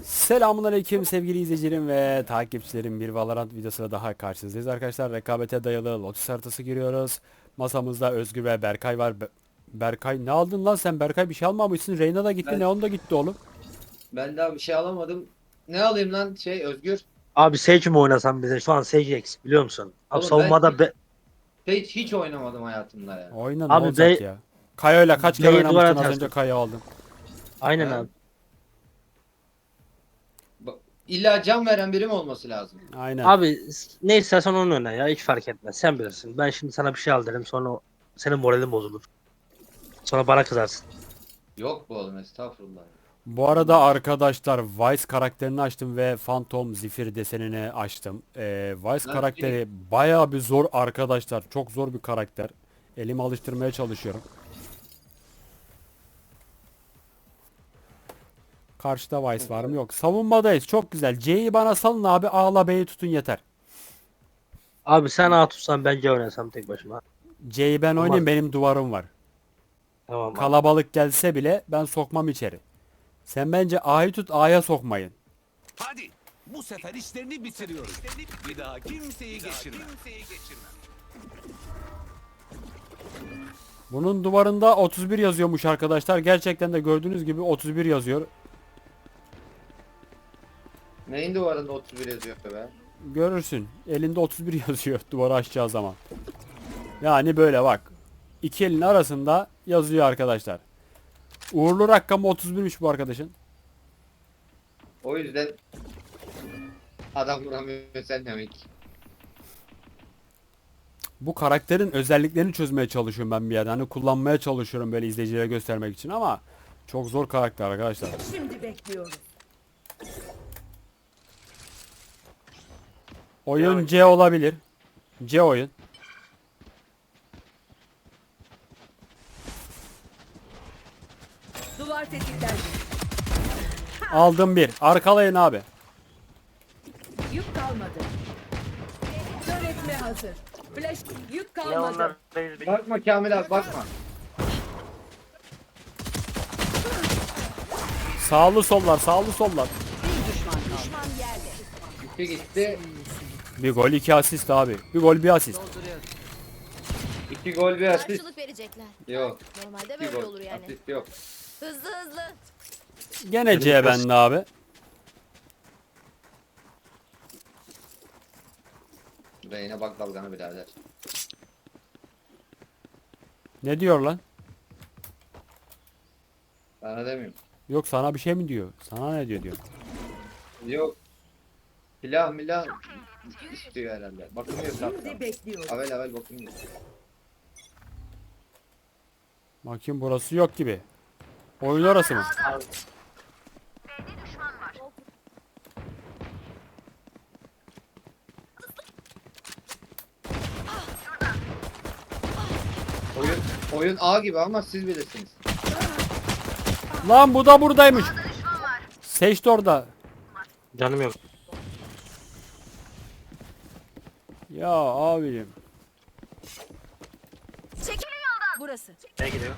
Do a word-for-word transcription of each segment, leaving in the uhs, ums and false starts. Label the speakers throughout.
Speaker 1: Selamünaleyküm sevgili izleyicilerim ve takipçilerim. Bir Valorant videosuyla daha karşınızdayız arkadaşlar. Rekabete dayalı Lotus haritası giriyoruz. Masamızda Özgür ve Berkay var. Be- Berkay ne aldın lan sen? Berkay bir şey almamışsın. Reyna da gitti.
Speaker 2: Ben,
Speaker 1: Neon da gitti oğlum.
Speaker 2: ben daha bir şey alamadım. Ne alayım lan şey Özgür?
Speaker 3: Abi Sage mi oynasam bize? Şu an Sage eksik biliyor musun? Abi
Speaker 2: Oğlum ben
Speaker 3: savunmada be,
Speaker 2: hiç, hiç oynamadım hayatımda ya.
Speaker 1: Oyna ne
Speaker 3: abi
Speaker 1: olacak
Speaker 3: be,
Speaker 1: ya? Kayo'yla kaç kere
Speaker 3: B'ye duvar
Speaker 1: oynamıştın az
Speaker 3: atarsın.
Speaker 1: önce Kayo aldın.
Speaker 3: Aynen
Speaker 2: Ha?
Speaker 3: abi.
Speaker 2: Ba- İlla can veren biri mi olması lazım?
Speaker 1: Aynen.
Speaker 3: Abi s- ne istersen onu oyna ya. Hiç fark etmez. Sen bilirsin. Ben şimdi sana bir şey al derim. Sonra o- senin moralin bozulur. Sonra bana kızarsın.
Speaker 2: Yok bu oğlum estağfurullah.
Speaker 1: Bu arada arkadaşlar Vice karakterini açtım ve Phantom Zephyr desenini açtım. Ee, Vice
Speaker 2: Lan
Speaker 1: karakteri bayağı bir zor arkadaşlar. Çok zor bir karakter. Elimi alıştırmaya çalışıyorum. Karşıda Vice var mı? Yok. Savunmadayız. Çok güzel. C'yi bana salın abi. A'la B'yi tutun yeter.
Speaker 3: Abi sen A tutsan bence oynasam tek başıma.
Speaker 1: C'yi ben
Speaker 3: Olmaz.
Speaker 1: oynayayım. Benim duvarım var.
Speaker 3: Tamam abi.
Speaker 1: Kalabalık gelse bile ben sokmam içeri. Sen bence A'yı tut. A'ya sokmayın.
Speaker 4: Hadi bu sefer işlerini bitiriyoruz. Bir daha kimseyi geçirme.
Speaker 1: Bunun duvarında otuz bir yazıyormuş arkadaşlar. Gerçekten de gördüğünüz gibi otuz bir yazıyor.
Speaker 2: Neyin duvarında otuz bir yazıyor be?
Speaker 1: Görürsün. Elinde otuz bir yazıyor duvarı açacağı zaman. Yani böyle bak. İki elin arasında yazıyor arkadaşlar. Uğurlu rakamı otuz birmiş bu arkadaşın.
Speaker 2: O yüzden adam vuramıyor sen demek.
Speaker 1: Bu karakterin özelliklerini çözmeye çalışıyorum ben bir yerden. Hani kullanmaya çalışıyorum böyle izleyicilere göstermek için ama çok zor karakter arkadaşlar.
Speaker 5: Şimdi bekliyoruz.
Speaker 1: Oyun C olabilir. C oyun.
Speaker 5: Duvar tetiklendi.
Speaker 1: Aldım bir. Arkalayın abi.
Speaker 5: Yük kalmadı. Kör etme hazır. Flash yük
Speaker 3: Ya
Speaker 5: kalmadı.
Speaker 3: onlar reis bir-
Speaker 2: Bakma Kamil abi bakma.
Speaker 1: Sağlı sollar, sağlı sollar.
Speaker 5: Bir düşman kaldı. Düşman yerde.
Speaker 2: Gitti gitti.
Speaker 1: Bir gol, iki asist abi. Bir gol, bir asist.
Speaker 5: Dolduruyorum.
Speaker 2: İki gol bir asist.
Speaker 6: Karşılık verecekler.
Speaker 2: Yok.
Speaker 6: Normalde
Speaker 2: İki
Speaker 6: böyle
Speaker 2: gol.
Speaker 6: olur yani.
Speaker 2: Asist yok.
Speaker 6: Hızlı hızlı.
Speaker 1: Gene C bende abi.
Speaker 2: Reyne bak dalgana birader.
Speaker 1: Ne diyor lan?
Speaker 2: Bana demiyorum.
Speaker 1: Yok sana bir şey mi diyor? Sana ne diyor diyor.
Speaker 2: Yok. Silah milah istiyor herhalde. Bakmıyor
Speaker 5: Şimdi
Speaker 2: saklan.
Speaker 5: bekliyoruz.
Speaker 2: Avel avel bakmıyor.
Speaker 1: Bakayım burası yok gibi. Oyun orası mı?
Speaker 2: Oyun oyun A gibi ama siz bilirsiniz.
Speaker 1: Lan bu da buradaymış. Seç de orada.
Speaker 3: Canım yok.
Speaker 1: Ya abim.
Speaker 6: Burası.
Speaker 3: Ne gidiyor?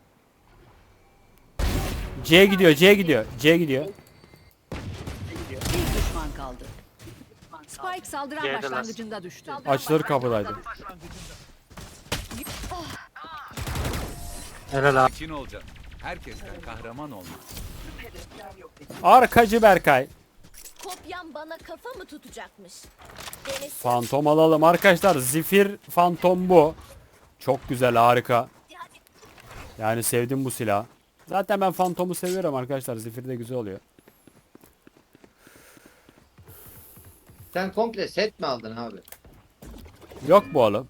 Speaker 1: C gidiyor, C gidiyor, C gidiyor.
Speaker 5: Bir düşman kaldı. Spike saldıran
Speaker 3: Geldiler.
Speaker 5: başlangıcında düştü.
Speaker 1: Açılır kapıdaydı.
Speaker 3: Helal abi.
Speaker 4: Sakin olacaksın. Herkesten kahraman olma.
Speaker 1: Arkacı Berkay.
Speaker 6: Kopyam bana kafa mı tutacakmış? Denesin.
Speaker 1: Fantom alalım arkadaşlar. Zephyr Fantom bu. Çok güzel, harika. Yani sevdim bu silah. Zaten ben Fantom'u seviyorum arkadaşlar. Zephyr de güzel oluyor.
Speaker 2: Sen komple set mi aldın abi?
Speaker 1: Yok bu oğlum.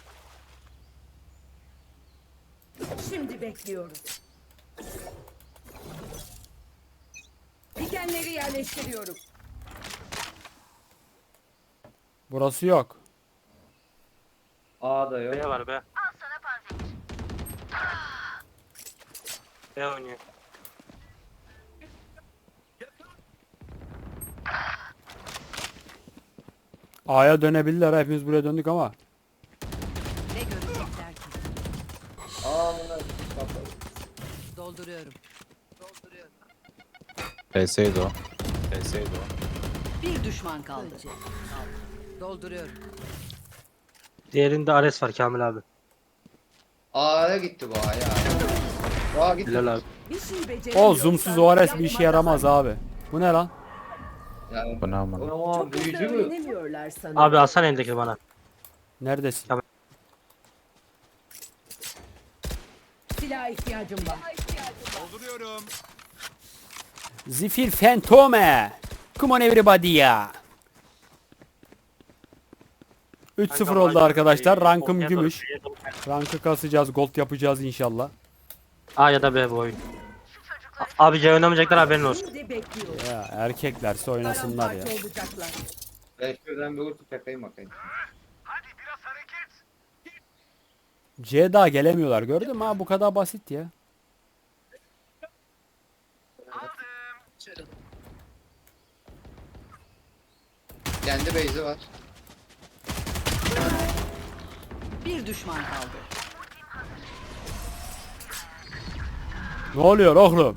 Speaker 5: Şimdi bekliyoruz. Dikenleri yerleştiriyorum.
Speaker 1: Burası yok.
Speaker 2: A da yok.
Speaker 3: B var be. Al sana panzehir. B oynuyor.
Speaker 1: A'ya dönebilirler. Hepimiz buraya döndük ama.
Speaker 5: Ne görecekler ki?
Speaker 2: A bunlar kapalı.
Speaker 5: Dolduruyorum.
Speaker 7: P S'ydi o. T S'ydi o.
Speaker 5: Bir düşman kaldı. Dolduruyorum.
Speaker 3: Diğerinde Ares var Kamil abi.
Speaker 2: A'ya gitti bu A'ya. A'ya gitti.
Speaker 3: Bilal abi.
Speaker 5: Bir şey
Speaker 1: O
Speaker 5: beceremiyorsan
Speaker 1: zoomsuz O R S bir işe
Speaker 5: yapma
Speaker 1: yaramaz
Speaker 5: daha.
Speaker 1: abi. Bu ne lan?
Speaker 2: Yani,
Speaker 7: Bu ne aman?
Speaker 2: o
Speaker 5: Çok hızlı
Speaker 2: büyücü mü?
Speaker 5: öğrenemiyorlar sanırım.
Speaker 3: Abi alsana elindeki bana.
Speaker 1: Neredesin?
Speaker 3: Tamam.
Speaker 5: Silaha ihtiyacım var.
Speaker 4: Dolduruyorum.
Speaker 1: Zifir Fantome. Come on everybody ya. üç sıfır oldu arkadaşlar. Rankım gümüş. Rankı kasacağız. Gold yapacağız inşallah.
Speaker 3: A ya da B bu oyun. A- Abi C oynamayacaklar haberin olsun.
Speaker 5: Şimdi bekliyorum.
Speaker 1: Ya erkeklerse oynasınlar ya.
Speaker 5: Paramparça olacaklar.
Speaker 2: Ben şuradan bir ulti tepeyim bakayım.
Speaker 1: C daha gelemiyorlar. Gördün mü ha, bu kadar basit ya.
Speaker 2: Kendi base'i var.
Speaker 5: Bir düşman kaldı.
Speaker 1: Ne oluyor oğlum?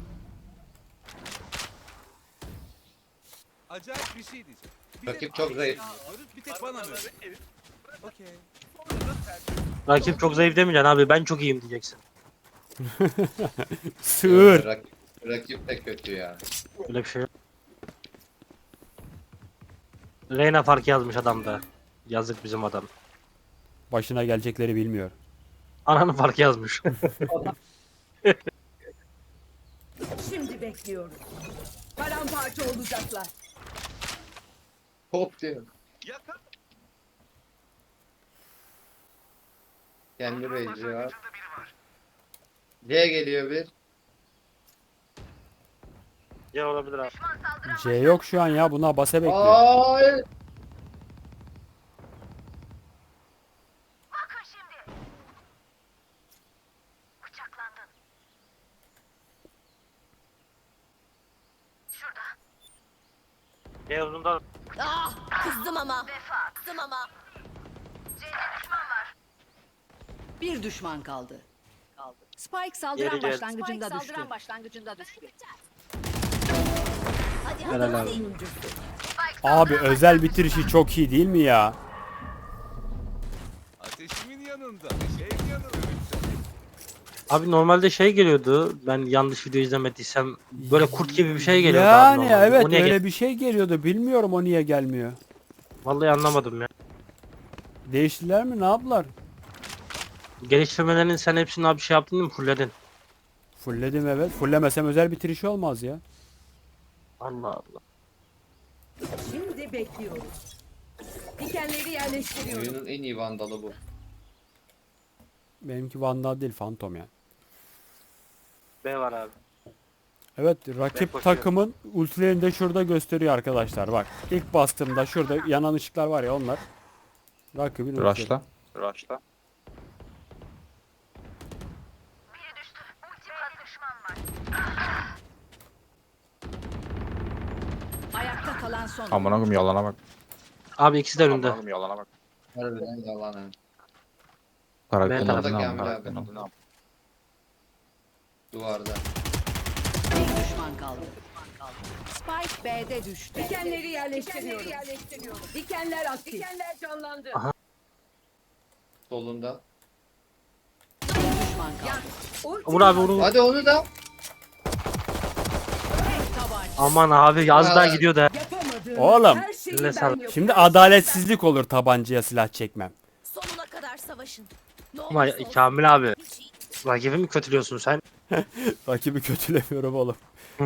Speaker 4: Acayip bir şey diyeceğim. Bir
Speaker 2: Rakip
Speaker 4: de-
Speaker 2: çok zayıf.
Speaker 4: Bir tek bana mı? Okey.
Speaker 3: Rakip çok zayıf demeyeceksin abi, ben çok iyiyim diyeceksin.
Speaker 1: Sığır.
Speaker 2: Rakip, rakip de kötü ya.
Speaker 3: Öyle bir şey yok. Reyna fark yazmış adamda. Yazık bizim adam.
Speaker 1: Başına gelecekleri bilmiyor.
Speaker 3: Ananın fark yazmış.
Speaker 5: Şimdi bekliyorum. Paramparça olacaklar.
Speaker 2: Hop diyor.
Speaker 4: Yakar.
Speaker 2: Kendi base'i var. C geliyor bir.
Speaker 3: Ya olabilir abi.
Speaker 1: C yok şu an ya. Buna base bekliyor.
Speaker 2: Ay!
Speaker 3: C uzundan.
Speaker 6: Ah, kızdım ama. Kızdım ama.
Speaker 5: Bir düşman kaldı. Spike saldıran
Speaker 3: Geri gel.
Speaker 5: başlangıcında
Speaker 6: Spike
Speaker 5: düştü.
Speaker 6: saldıran başlangıcında düştü. Hadi hadi
Speaker 3: Helal
Speaker 6: hadi.
Speaker 3: abi.
Speaker 1: Abi özel bitirişi çok iyi değil mi ya?
Speaker 4: Ateşimin yanında. Şeyin yanında.
Speaker 3: Abi normalde şey geliyordu. Ben yanlış video izlemediysem böyle kurt gibi bir şey geliyordu abi
Speaker 1: Yani
Speaker 3: normalde.
Speaker 1: evet
Speaker 3: O niye
Speaker 1: öyle
Speaker 3: gel-
Speaker 1: bir şey geliyordu. Bilmiyorum o niye gelmiyor.
Speaker 3: Vallahi anlamadım ya.
Speaker 1: Değiştiler mi? Ne yaptılar?
Speaker 3: Geliştirmelerin sen hepsini abi şey yaptın değil mi? Fulledin.
Speaker 1: Fullledim evet. Fullemesem özel bitirişi olmaz ya.
Speaker 3: Allah Allah.
Speaker 5: Şimdi bekliyorum. Dikenleri yerleştiriyorum.
Speaker 2: Oyunun en iyi vandalı bu.
Speaker 1: Benimki Vandal değil Phantom ya.
Speaker 3: B var abi.
Speaker 1: Evet
Speaker 3: Ben
Speaker 1: rakip
Speaker 3: koşuyorum.
Speaker 1: takımın ultilerini de şurada gösteriyor arkadaşlar. Bak ilk bastığımda şurada yanan ışıklar var ya onlar. Rakibin ultileri.
Speaker 7: Rush'la. Rush'la.
Speaker 5: Ayakta kalan son.
Speaker 7: Amına koyayım yalana bak.
Speaker 3: Abi ikisi de önünde.
Speaker 7: Amına koyayım yalana bak.
Speaker 2: Harbiden yalan ha.
Speaker 7: Karakterin
Speaker 3: Ben
Speaker 7: adını
Speaker 2: tarafta
Speaker 7: al.
Speaker 2: Kamil
Speaker 7: Karakterin
Speaker 2: abi.
Speaker 7: adını al.
Speaker 2: Duvarda.
Speaker 5: Bir düşman kaldı. Spike B'de düştü. Dikenleri yerleştiriyorum. Dikenler aktif. Dikenler canlandı.
Speaker 3: Aha.
Speaker 2: Solunda.
Speaker 5: Bir düşman kaldı.
Speaker 3: Vur abi vur.
Speaker 2: Hadi onu da.
Speaker 3: Aman abi az daha
Speaker 2: Aa.
Speaker 3: gidiyor da.
Speaker 5: Yapamadığım
Speaker 1: Oğlum,
Speaker 5: her şeyi
Speaker 3: eline
Speaker 5: ben
Speaker 3: sağlık.
Speaker 5: yapıyorum.
Speaker 1: Şimdi adaletsizlik olur tabancaya silah çekmem.
Speaker 6: Sonuna kadar savaşın. Ne
Speaker 3: Ama
Speaker 6: olursa olsun.
Speaker 3: Kamil abi.
Speaker 6: Hiç iyi.
Speaker 3: Rakibi mi kötülüyorsun sen?
Speaker 1: Rakibi kötülemiyorum oğlum.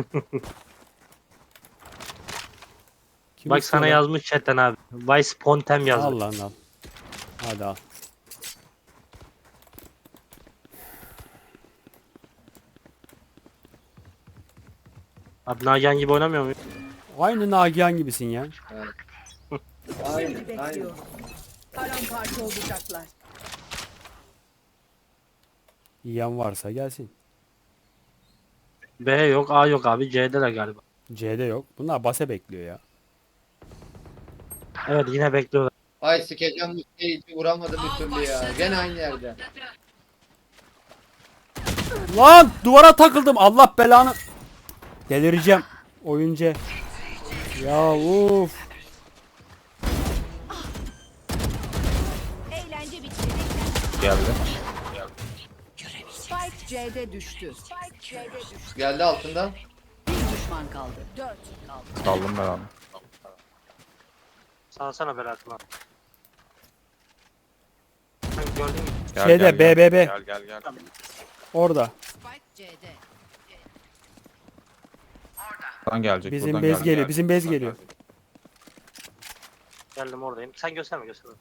Speaker 1: Kim
Speaker 3: Bak
Speaker 1: istiyor
Speaker 3: sana
Speaker 1: lan?
Speaker 3: yazmış chatten abi. Vice Pontem yazmış.
Speaker 1: Al lan al. Hadi al.
Speaker 3: Abi Nagihan gibi oynamıyor muyum?
Speaker 1: Aynı Nagihan gibisin ya.
Speaker 5: Şimdi
Speaker 2: Aynen. Aynen.
Speaker 5: bekliyorum. Paramparça olacaklar.
Speaker 1: Yiyen varsa gelsin.
Speaker 3: B yok, A yok abi. C'deler galiba.
Speaker 1: C'de yok. Bunlar base bekliyor ya.
Speaker 3: Evet yine bekliyorlar.
Speaker 2: Ay sikeceğim bu şeyi hiç vuramadı bir türlü ya. Gene aynı yerde.
Speaker 1: Lan duvara takıldım. Allah belanı. Delireceğim. Oyuncu. Ya uf.
Speaker 6: Eğlence bitti.
Speaker 7: Geldi.
Speaker 5: Spike C'de düştü. Spike C'de düştü.
Speaker 2: Geldi altında.
Speaker 5: Bir düşman kaldı.
Speaker 6: Dört.
Speaker 7: Saldım ben onu.
Speaker 3: Salsana Berat lan. Sen gördün mü?
Speaker 7: Gel,
Speaker 1: Şeyde,
Speaker 7: gel,
Speaker 1: B,
Speaker 7: gel.
Speaker 1: B, B.
Speaker 7: Gel gel gel.
Speaker 1: Orada.
Speaker 5: Spike C'de.
Speaker 7: Buradan gelecek.
Speaker 1: Bizim
Speaker 7: buradan
Speaker 1: bez
Speaker 7: gelecek.
Speaker 1: geliyor. Bizim bez geliyor.
Speaker 3: Geldim oradayım. Sen gösterme gösterme.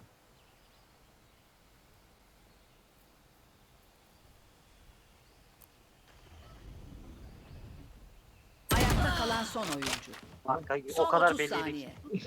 Speaker 5: Ayakta kalan son oyuncu.
Speaker 3: Kanka,
Speaker 5: Son
Speaker 3: o kadar
Speaker 5: otuz
Speaker 3: belliydi
Speaker 5: saniye.
Speaker 3: ki.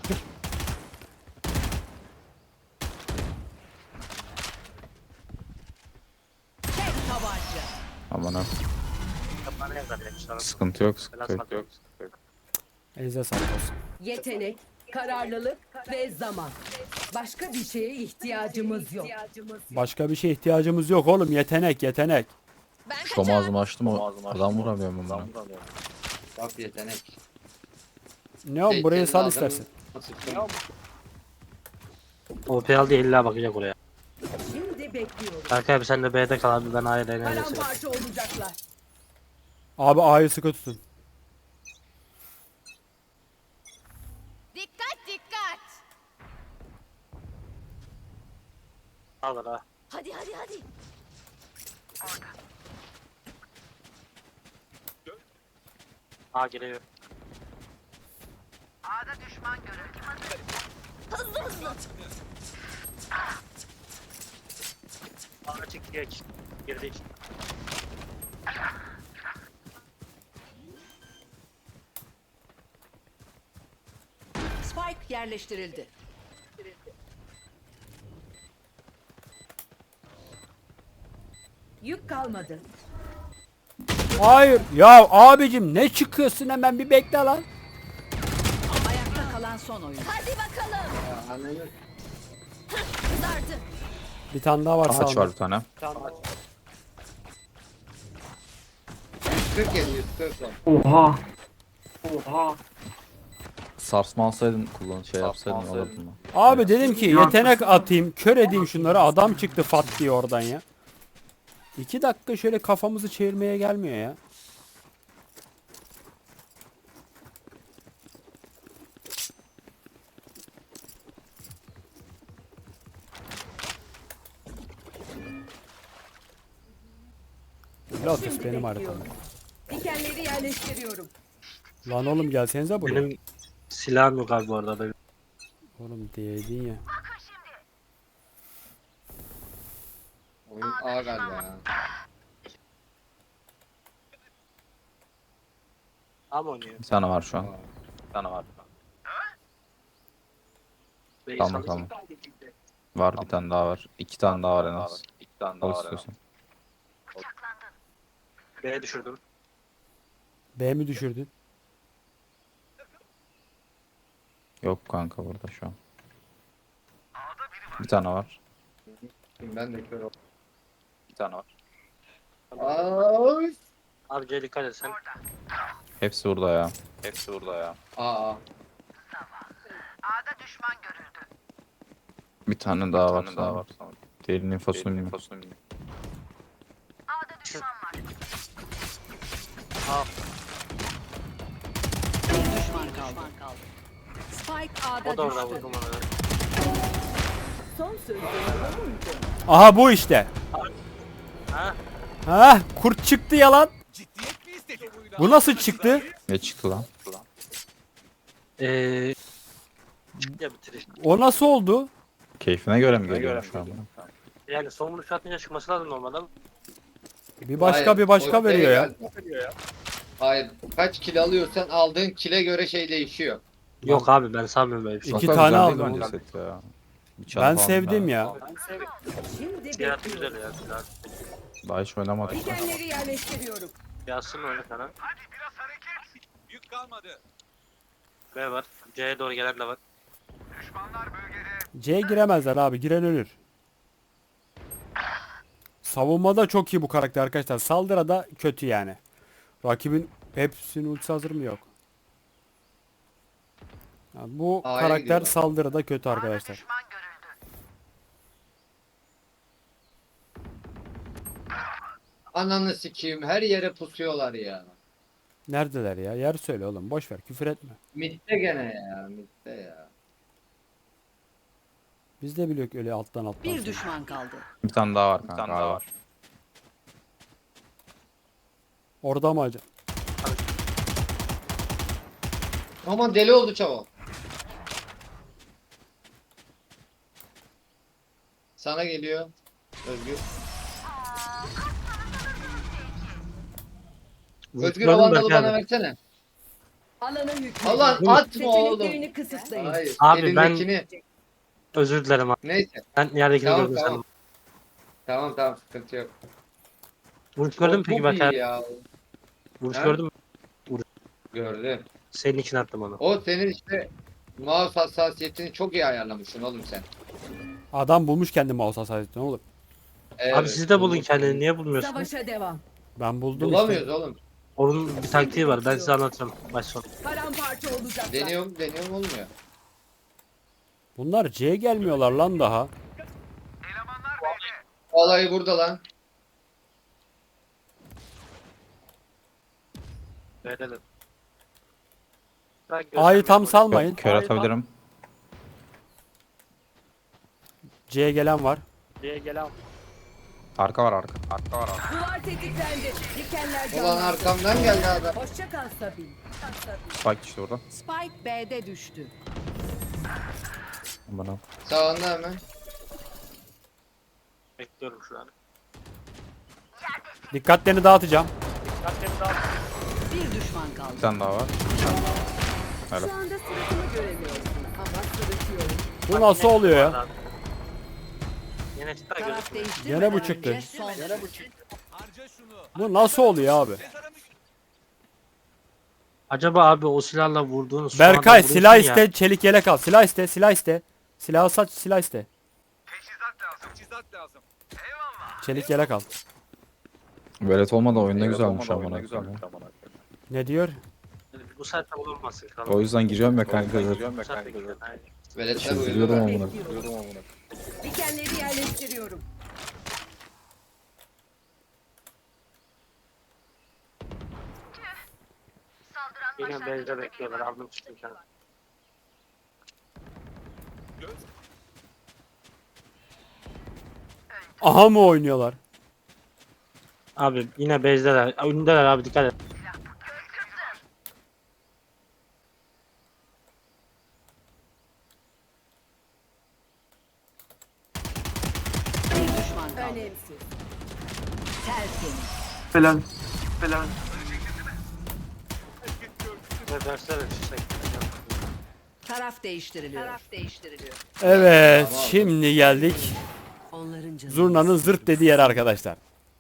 Speaker 5: Tek tabanca.
Speaker 7: Aman ha.
Speaker 3: Bana yazar demişler.
Speaker 7: Sıkıntı yok. Sıkıntı
Speaker 3: Biraz
Speaker 7: yok.
Speaker 3: fark yok.
Speaker 7: Sıkıntı yok.
Speaker 1: Elinize sağlık olsun.
Speaker 8: Yetenek, kararlılık ve zaman. Başka bir şeye ihtiyacımız yok.
Speaker 1: Başka bir şeye ihtiyacımız yok oğlum. Yetenek, yetenek.
Speaker 6: Ben
Speaker 7: Şom
Speaker 6: kaçar.
Speaker 7: ağzımı açtım o. Adam vuramıyorum bundan.
Speaker 2: Bak yetenek.
Speaker 1: Ne oğlum
Speaker 2: Şey,
Speaker 1: burayı
Speaker 2: kendi
Speaker 1: sal
Speaker 2: adamı
Speaker 1: istersen.
Speaker 2: sıktım.
Speaker 3: O P aldı illa bakacak oraya.
Speaker 8: Şimdi bekliyorum.
Speaker 3: Kanka abi sen de B'de kal abi ben A'ya deneyelim.
Speaker 8: Paramparça olacaklar.
Speaker 1: Abi A'yı sıkı tutun.
Speaker 6: Dikkat dikkat.
Speaker 3: Alır ha.
Speaker 6: Hadi hadi hadi.
Speaker 3: A geliyor.
Speaker 6: Hızlı hızlı.
Speaker 3: A çık geç. Girdik.
Speaker 5: Spike yerleştirildi.
Speaker 8: Yük kalmadı.
Speaker 1: Hayır. Ya abicim ne çıkıyorsun hemen bir bekle lan.
Speaker 5: Ayakta kalan son oyuncu.
Speaker 6: Hadi bakalım.
Speaker 2: Ya, ananı-
Speaker 6: Kızardı.
Speaker 1: Bir tane daha var
Speaker 7: Ağaç
Speaker 1: sağında.
Speaker 7: var bir tane.
Speaker 2: yüz kırk yedi, yüz kırk on.
Speaker 7: Sarsma alsaydın kullan şey yapsaydın alırdın mı?
Speaker 1: Abi dedim ki yetenek atayım, kör edeyim şunları. Adam çıktı fat diye oradan ya. İki dakika şöyle kafamızı çevirmeye gelmiyor ya. Lotus
Speaker 8: Şimdi
Speaker 1: benim
Speaker 8: bekliyorum.
Speaker 1: haritamda.
Speaker 8: Dikenleri yerleştiriyorum.
Speaker 1: Lan oğlum gelsenize buraya.
Speaker 3: Benim silahım yok abi bu arada. Benim.
Speaker 1: Oğlum değdin ya.
Speaker 2: Oyun A galiba ya.
Speaker 3: A mı oynuyor?
Speaker 7: Bir tane var şu an. Bir tane var.
Speaker 3: B'yi
Speaker 7: Tamam,
Speaker 3: sal-
Speaker 7: tamam. Var bir tane daha var. İki tane daha var en az. İki tane daha var istiyorsan.
Speaker 3: B'ye düşürdüm.
Speaker 1: B mi düşürdün?
Speaker 7: Yok kanka burada şu an. Bir tane var.
Speaker 2: Ben de kör oldum.
Speaker 7: Bir tane var.
Speaker 2: Ay.
Speaker 3: Abi C'ye dikkat et sen.
Speaker 7: Hepsi burada ya. Hepsi burada ya.
Speaker 2: Aa.
Speaker 7: Bir tane daha var. Daha var. Diğerinin infosunu bilmiyorum.
Speaker 5: Bir düşman kaldı. Spike A'da
Speaker 3: O da orada
Speaker 5: düştü.
Speaker 3: vurdum onu.
Speaker 8: Son sözlerim bu muydu?
Speaker 1: Aha bu işte.
Speaker 3: Ha?
Speaker 1: Ha kurt çıktı yalan.
Speaker 4: Ciddiyet mi istedik?
Speaker 1: Bu nasıl çıktı?
Speaker 7: Ne çıktı lan?
Speaker 3: Eee... Çıktı ya bitiriş.
Speaker 1: O nasıl oldu?
Speaker 7: Keyfine göre mi geliyor şu an?
Speaker 3: Yani son vuruş atınca çıkması lazım normalde.
Speaker 1: Bir başka
Speaker 2: Hayır,
Speaker 1: bir başka
Speaker 2: o
Speaker 1: veriyor ya.
Speaker 2: değil. Hayır. Kaç kilo alıyorsan aldığın kile göre şey değişiyor.
Speaker 3: Yok abi ben sanmıyorum böyle bir şey.
Speaker 1: İki
Speaker 7: Çok da
Speaker 1: tane
Speaker 7: güzel değil
Speaker 1: aldım
Speaker 7: bence
Speaker 1: oğlum.
Speaker 7: set ya. Bir çan
Speaker 1: Ben
Speaker 7: falan
Speaker 1: sevdim
Speaker 7: daha-
Speaker 1: ya.
Speaker 8: Şimdi
Speaker 3: Silah
Speaker 8: bekliyorum.
Speaker 3: güzel ya. Silah.
Speaker 7: Daha hiç oynamadık.
Speaker 8: Dikenleri yerleştiriyorum.
Speaker 3: Yazsın öyle sana.
Speaker 4: Biraz hareket. Yük kalmadı.
Speaker 3: B var. C'ye doğru gelen de var.
Speaker 1: C'ye giremezler abi. Giren ölür. Savunmada çok iyi bu karakter arkadaşlar. Saldırıda kötü yani. Rakibin hepsinin ultisi hazır mı yok. Ya bu
Speaker 2: A'ya
Speaker 1: karakter
Speaker 2: gidiyorlar.
Speaker 1: saldırıda kötü arkadaşlar.
Speaker 2: Ananı sikeyim, her yere pusuyorlar ya.
Speaker 1: Neredeler ya? Yer söyle oğlum. Boş ver, küfür etme.
Speaker 2: Mitte gene ya, mitte ya.
Speaker 1: Biz de biliyoruz öyle alttan alttan.
Speaker 5: Bir
Speaker 1: sonra.
Speaker 5: düşman kaldı.
Speaker 7: Bir tane daha var kanka. daha var.
Speaker 1: Orada mı acaba?
Speaker 2: Aman deli oldu çabuk. Sana geliyor. Özgür. Özgür o
Speaker 3: Gördün mü
Speaker 2: vandalı
Speaker 3: Berkay
Speaker 2: bana
Speaker 3: abi?
Speaker 2: versene.
Speaker 8: Alana hükmedin.
Speaker 2: Allah atma oğlum.
Speaker 8: Seçeneklerini kısıtlayın.
Speaker 2: Hayır.
Speaker 3: Abi ben-
Speaker 2: elindekini.
Speaker 3: Özür dilerim abi.
Speaker 2: Neyse.
Speaker 3: Ben yerdekini
Speaker 2: Tamam,
Speaker 3: gördüm
Speaker 2: tamam.
Speaker 3: sandım.
Speaker 2: Tamam tamam, sıkıntı yok.
Speaker 3: Vuruş gördün mü
Speaker 2: O
Speaker 3: peki
Speaker 2: çok
Speaker 3: Berkay
Speaker 2: iyi
Speaker 3: abi?
Speaker 2: ya.
Speaker 3: Vuruş
Speaker 2: Ha?
Speaker 3: gördün mü?
Speaker 2: Gördüm.
Speaker 3: Senin için attım onu.
Speaker 2: O senin işte mouse hassasiyetini çok iyi ayarlamışsın oğlum sen.
Speaker 1: Adam bulmuş kendi mouse hassasiyetini oğlum.
Speaker 2: Evet,
Speaker 3: Abi siz de bulun
Speaker 2: bulmuş.
Speaker 3: kendini. Niye bulmuyorsunuz?
Speaker 8: Savaşa devam.
Speaker 1: Ben buldum
Speaker 2: Bulamıyoruz
Speaker 1: işte.
Speaker 2: oğlum.
Speaker 3: Onun bir taktiği var. Ben size anlatırım. Baş son.
Speaker 8: Paramparça olacaklar.
Speaker 2: Deniyorum deniyorum olmuyor.
Speaker 1: Bunlar C'ye gelmiyorlar lan daha.
Speaker 2: Olayı burada lan.
Speaker 3: Verelim.
Speaker 1: A'yı tam salmayın.
Speaker 7: Kör atabilirim.
Speaker 1: C'ye gelen var.
Speaker 7: Arka var arka. Arka var arka.
Speaker 8: Duvar tetiklendi. Dikenler
Speaker 2: Ulan
Speaker 8: canlandı.
Speaker 2: arkamdan geldi adam.
Speaker 8: Hoşça kal Sabil.
Speaker 7: Spike işte orada.
Speaker 5: Spike B'de düştü.
Speaker 7: Bana.
Speaker 2: Sağında hemen.
Speaker 3: Bekliyorum şu an.
Speaker 1: Dikkatlerini dağıtacağım.
Speaker 5: Bir düşman
Speaker 7: Bir
Speaker 5: kaldı.
Speaker 7: tane daha var.
Speaker 8: Şu anda suratımı göremiyorsun ama sırıtıyorum.
Speaker 1: Bu nasıl oluyor ya?
Speaker 3: Yine çıktı
Speaker 5: Taraf
Speaker 3: gözükmüyor.
Speaker 5: değiştirmeden
Speaker 1: Gene bu çıktı.
Speaker 5: önce son
Speaker 4: Harca şunu.
Speaker 1: Bu nasıl oluyor abi?
Speaker 3: Acaba abi o silahla vurduğunuz şu anda
Speaker 1: Berkay
Speaker 3: vuruyorsun
Speaker 1: silah
Speaker 3: ya.
Speaker 1: iste, çelik yelek al. Silah iste, silah iste. Silahı saç, silah iste.
Speaker 4: Teçhizat lazım. Teçhizat lazım.
Speaker 1: Çelik yelek al.
Speaker 7: Velet olmadı oyun ne güzelmiş amına.
Speaker 1: Ne diyor?
Speaker 3: Bu saatte olmasın.
Speaker 7: O yüzden giriyorum ya kanka. zaten.
Speaker 3: Bu saatte gidiyor. Aynen.
Speaker 2: Veletler
Speaker 7: Çıldırıyorum
Speaker 2: uyudu.
Speaker 7: amına.
Speaker 8: Dikenleri yerleştiriyorum.
Speaker 3: Yine bezde bekliyorlar. Aldım çıktım kenara.
Speaker 1: Aha mı oynuyorlar?
Speaker 3: Abi yine bezdeler. Önündeler abi dikkat et.
Speaker 5: bir düşman kaldı.
Speaker 8: Önemsiz.
Speaker 5: Tertemiz.
Speaker 3: Ve dersler açacak.
Speaker 5: Taraf değiştiriliyor. Taraf değiştiriliyor.
Speaker 1: Evet,
Speaker 2: Tamam.
Speaker 1: şimdi geldik.
Speaker 5: Onların canı.
Speaker 1: Zurna'nın zırt dediği yer arkadaşlar.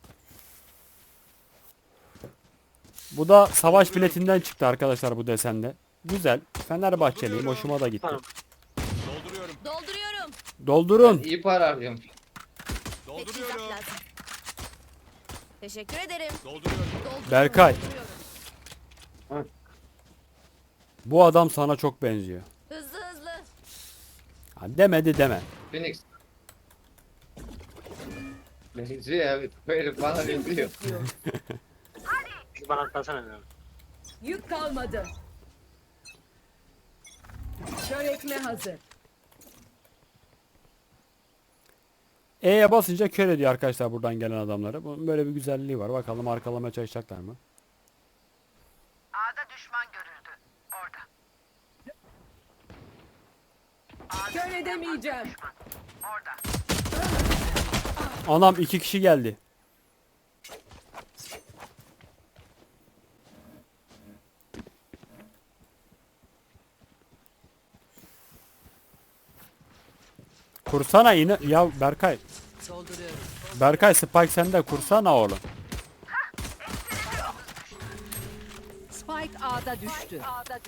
Speaker 1: Bu da savaş biletinden çıktı arkadaşlar bu desende. Güzel. Fenerbahçeliyim. Hoşuma da gitti.
Speaker 3: Tamam.
Speaker 4: Dolduruyorum.
Speaker 6: Dolduruyorum.
Speaker 1: Doldurun.
Speaker 2: İyi para harcıyorum.
Speaker 6: Teçhizat
Speaker 4: Dolduruyorum.
Speaker 6: lazım. Teşekkür ederim.
Speaker 4: Dolduruyorum.
Speaker 6: Dolduruyorum,
Speaker 1: Berkay.
Speaker 6: dolduruyorum.
Speaker 1: Bu adam sana çok benziyor.
Speaker 6: Hızlı hızlı.
Speaker 1: Ha, demedi deme.
Speaker 2: Phoenix. Benziyor evet. Böyle bana benziyor.
Speaker 3: Şu bana atlasana diyorum.
Speaker 8: Yük kalmadı. Kör etme hazır.
Speaker 1: E'ye basınca kör ediyor arkadaşlar buradan gelen adamları. Bunun böyle bir güzelliği var. Bakalım arkalamaya çalışacaklar mı?
Speaker 8: Kör edemeyeceğim.
Speaker 1: Anam iki kişi geldi. Kursana yine ya Berkay.
Speaker 5: Dolduruyorum.
Speaker 1: Berkay Spike sende kursana oğlum.
Speaker 5: Spike A'da düştü.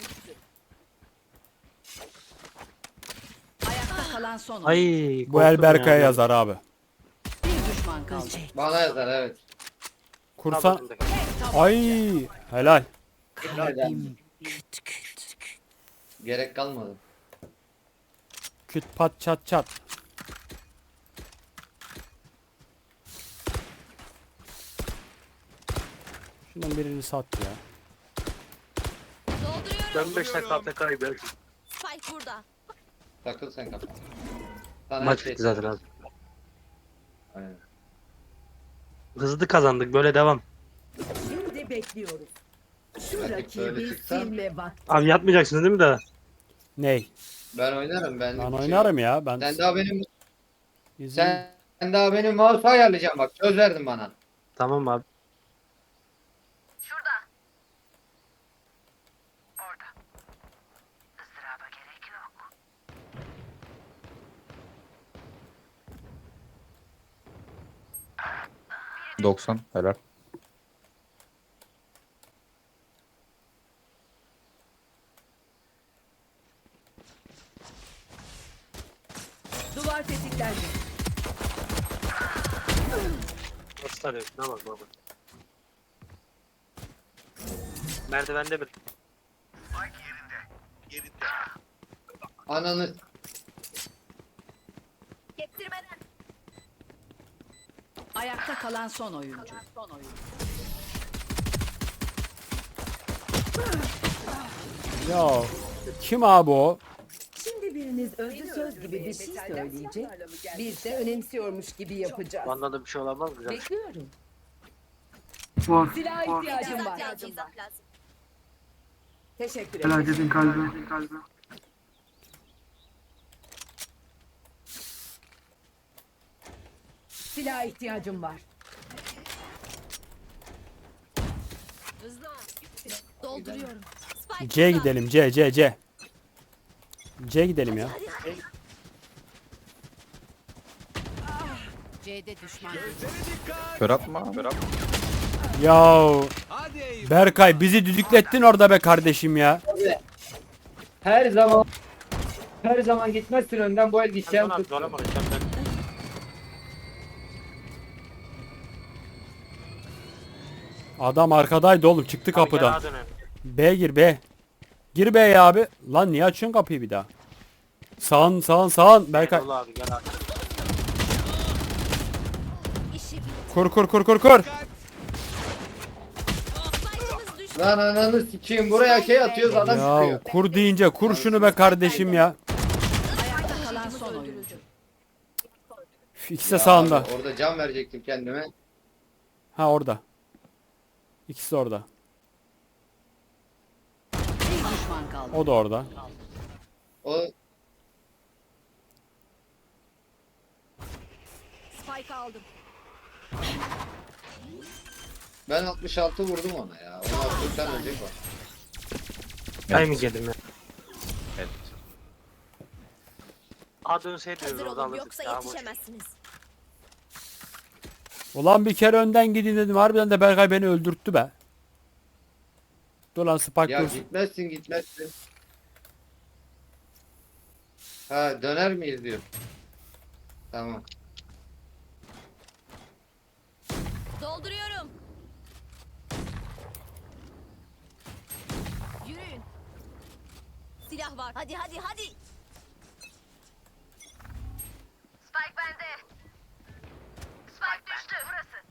Speaker 5: Ayakta kalan son oyuncu.
Speaker 3: Ay.
Speaker 1: Bu el
Speaker 3: korktum
Speaker 1: Berkay'a
Speaker 3: ya.
Speaker 1: yazar abi.
Speaker 5: Bir düşman kaldı.
Speaker 2: Bana yazar evet.
Speaker 1: Kursan. Ay helal.
Speaker 2: Nereden? Gerek kalmadı.
Speaker 1: Küt pat çat çat. Şundan birini sat ya.
Speaker 6: Dolduruyorum.
Speaker 3: Ben beş dakika A F K'yım belki.
Speaker 6: Spike burada.
Speaker 2: Takıl sen kapat. Sana
Speaker 3: Maç
Speaker 2: her şey
Speaker 3: bitti zaten abi.
Speaker 2: Aynen.
Speaker 3: Hızlı kazandık böyle devam.
Speaker 8: Şimdi bekliyoruz. Şu
Speaker 2: Rakip
Speaker 8: rakibi
Speaker 2: böyle çıksa-
Speaker 8: silme vakti.
Speaker 3: Abi yatmayacaksınız değil mi daha?
Speaker 1: Ney?
Speaker 2: Ben oynarım ben.
Speaker 1: Ben
Speaker 2: bir şey
Speaker 1: oynarım
Speaker 2: yok.
Speaker 1: ya. Ben
Speaker 2: Sen daha benim
Speaker 1: izin-
Speaker 2: sen, sen daha benim mouse'u ayarlayacaksın bak. Söz verdin bana.
Speaker 3: Tamam abi.
Speaker 7: doksan helal.
Speaker 8: Duvar tetiklendi.
Speaker 3: Nasıl tarıyorsun? Ne bak baba. Merdivende bir.
Speaker 2: Ananı
Speaker 6: Kestirmeden.
Speaker 5: Ayakta kalan son oyuncu. Son oyuncu.
Speaker 1: Ya kim abi o?
Speaker 8: Şimdi biriniz özlü söz gibi bir şey söyleyecek. Biz de önemsiyormuş gibi yapacağız.
Speaker 3: Bunda da bir şey olamaz mı? Güzel.
Speaker 8: Bekliyorum.
Speaker 9: Var.
Speaker 8: Silah ihtiyacım
Speaker 6: İzah
Speaker 8: var.
Speaker 6: lazım. izah lazım.
Speaker 8: Teşekkür
Speaker 9: Helal
Speaker 8: ederim.
Speaker 9: dedin kalbi.
Speaker 8: Silah ihtiyacım var.
Speaker 6: Hızlı ol. Dolduruyorum. Spike
Speaker 1: C
Speaker 6: burada.
Speaker 1: gidelim. C C C. C gidelim ya.
Speaker 6: Hadi hadi.
Speaker 5: C'de düşman.
Speaker 4: Gözlere dikkat.
Speaker 7: Kör atma. Kör atma.
Speaker 1: Ya
Speaker 4: Hadi eyvah.
Speaker 1: Berkay bizi düdüklettin orada be kardeşim ya.
Speaker 2: her zaman her zaman gitmezsin önden bu el gideceğim
Speaker 3: Abi,
Speaker 2: tut.
Speaker 3: zorlama, lütfen ben-
Speaker 1: Adam arkadaydı oğlum çıktı
Speaker 3: Abi, gel
Speaker 1: kapıdan.
Speaker 3: ağa dönelim.
Speaker 1: B gir B. Gir B'ye abi. Lan niye açıyorsun kapıyı bir daha? Sağın sağın sağın Berkay.
Speaker 3: Gel abi gel abi.
Speaker 6: İşi bitti.
Speaker 1: Kur kur kur kur kur.
Speaker 6: Spike'ımız düştü.
Speaker 2: Lan ananı sikeyim buraya şey atıyoruz adam
Speaker 1: Ya
Speaker 2: çıkıyor.
Speaker 1: kur deyince kur şunu be kardeşim ya.
Speaker 5: Ayakta kalan son oyuncu.
Speaker 1: Üf, İkisi de
Speaker 2: Ya
Speaker 1: sağında.
Speaker 2: abi, orada can verecektim kendime.
Speaker 1: Ha orada. İkisi de orada.
Speaker 5: Bir düşman kaldı.
Speaker 1: O da orada.
Speaker 2: O
Speaker 6: Spike aldım.
Speaker 2: ben altmış altı vurdum ona ya. Ona altmıştan ölecek o.
Speaker 3: Ay mı geldim ya?
Speaker 7: Evet.
Speaker 3: A dönseydi
Speaker 6: Hazır
Speaker 3: orada
Speaker 6: olun
Speaker 3: alırdık.
Speaker 6: yoksa
Speaker 3: Ya, boş.
Speaker 6: yetişemezsiniz.
Speaker 1: Ulan bir kere önden gidin dedim. Harbiden de Berkay beni öldürttü be. Dur lan Spark
Speaker 2: Ya
Speaker 1: dursun.
Speaker 2: gitmezsin gitmezsin. Ha döner miyiz diyor. Tamam.
Speaker 6: Dolduruyorum. Yürüyün. Silah var. Hadi hadi hadi. Spike bende. Spike düştü. Burası.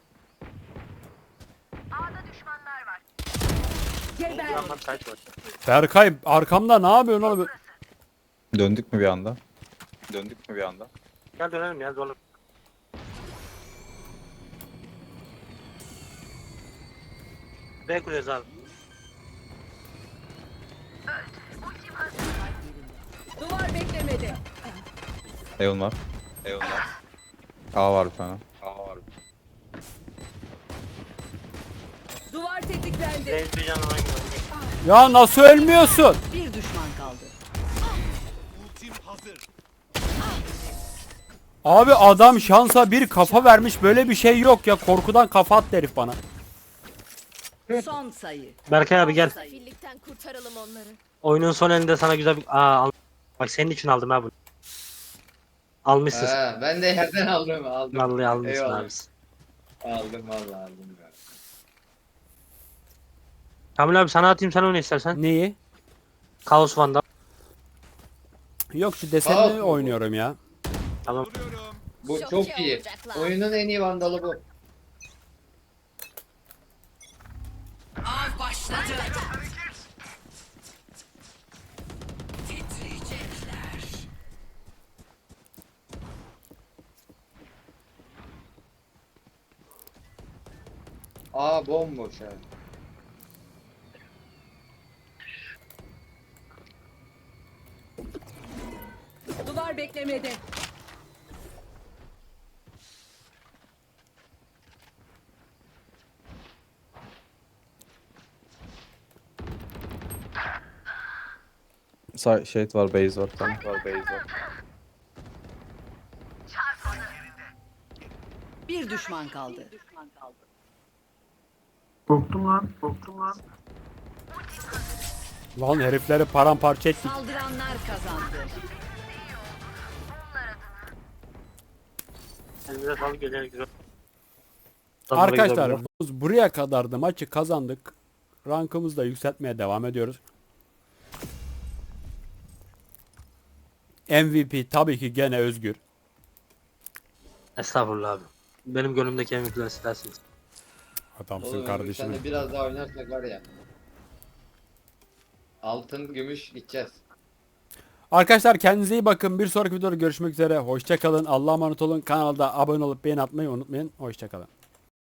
Speaker 6: A'da düşmanlar var.
Speaker 8: Geber.
Speaker 3: Tamam tight var.
Speaker 1: Berkay arkamda ne yapıyorsun oğlum?
Speaker 7: Döndük mü bir anda? Döndük mü bir anda?
Speaker 3: Gel dönelim ya zorla. B kuruyoruz abi.
Speaker 8: Duvar beklemedi.
Speaker 7: Eon var. Eon var. A var bir tane. A var.
Speaker 8: Duvar tetiklendi.
Speaker 3: Reis bir canına hangi var?
Speaker 1: Ya nasıl ölmüyorsun?
Speaker 5: Bir düşman kaldı.
Speaker 4: Ultim hazır.
Speaker 1: Abi adam şansa bir kafa vermiş. Böyle bir şey yok ya. Korkudan kafa attı herif bana.
Speaker 5: Son sayı.
Speaker 3: Berkay abi gel.
Speaker 6: Sefillikten kurtaralım onları.
Speaker 3: Oyunun son elinde sana güzel bir... Aa al. Bak senin için aldım ha bunu. Almışsın.
Speaker 2: Ha, ben de yerden aldım aldım.
Speaker 3: Vallahi almışsın
Speaker 2: Eyvallah.
Speaker 3: abi.
Speaker 2: Aldım vallahi aldım. Ya.
Speaker 3: Kamil abi sana atayım sen oyna istersen.
Speaker 1: Neyi?
Speaker 3: Kaos Vandal.
Speaker 1: Yok şu
Speaker 2: Sağ
Speaker 1: desenli
Speaker 2: ol.
Speaker 1: oynuyorum ya.
Speaker 3: Tamam.
Speaker 2: Bu
Speaker 6: Çok
Speaker 2: çok,
Speaker 6: iyi
Speaker 2: iyi.
Speaker 6: olacaklar.
Speaker 2: Oyunun en iyi vandalı bu.
Speaker 5: Av başladı.
Speaker 2: Aa bomboş ha.
Speaker 8: Duvar beklemede.
Speaker 7: Sa şey var, base var, tamam var, base var.
Speaker 5: Bir düşman kaldı.
Speaker 9: Korktum lan. Korktum lan.
Speaker 1: Lan herifleri paramparça ettik.
Speaker 5: Saldıranlar kazandı.
Speaker 3: Elinize sağlık. Geliyor güzel.
Speaker 1: Arkadaşlar biz buraya kadar da maçı kazandık. Rankımızı da yükseltmeye devam ediyoruz. M V P tabii ki gene Özgür.
Speaker 3: Estağfurullah abi. Benim gönlümdeki en mutlu sizlersiniz.
Speaker 1: Adamsın
Speaker 2: Oğlum,
Speaker 1: kardeşim.
Speaker 2: Sen de biraz daha oynarsak var ya. Altın, gümüş gideceğiz.
Speaker 1: Arkadaşlar kendinize iyi bakın. Bir sonraki videoda görüşmek üzere. Hoşça kalın. Allah'a emanet olun. Kanalda abone olup beğeni atmayı unutmayın. Hoşça kalın.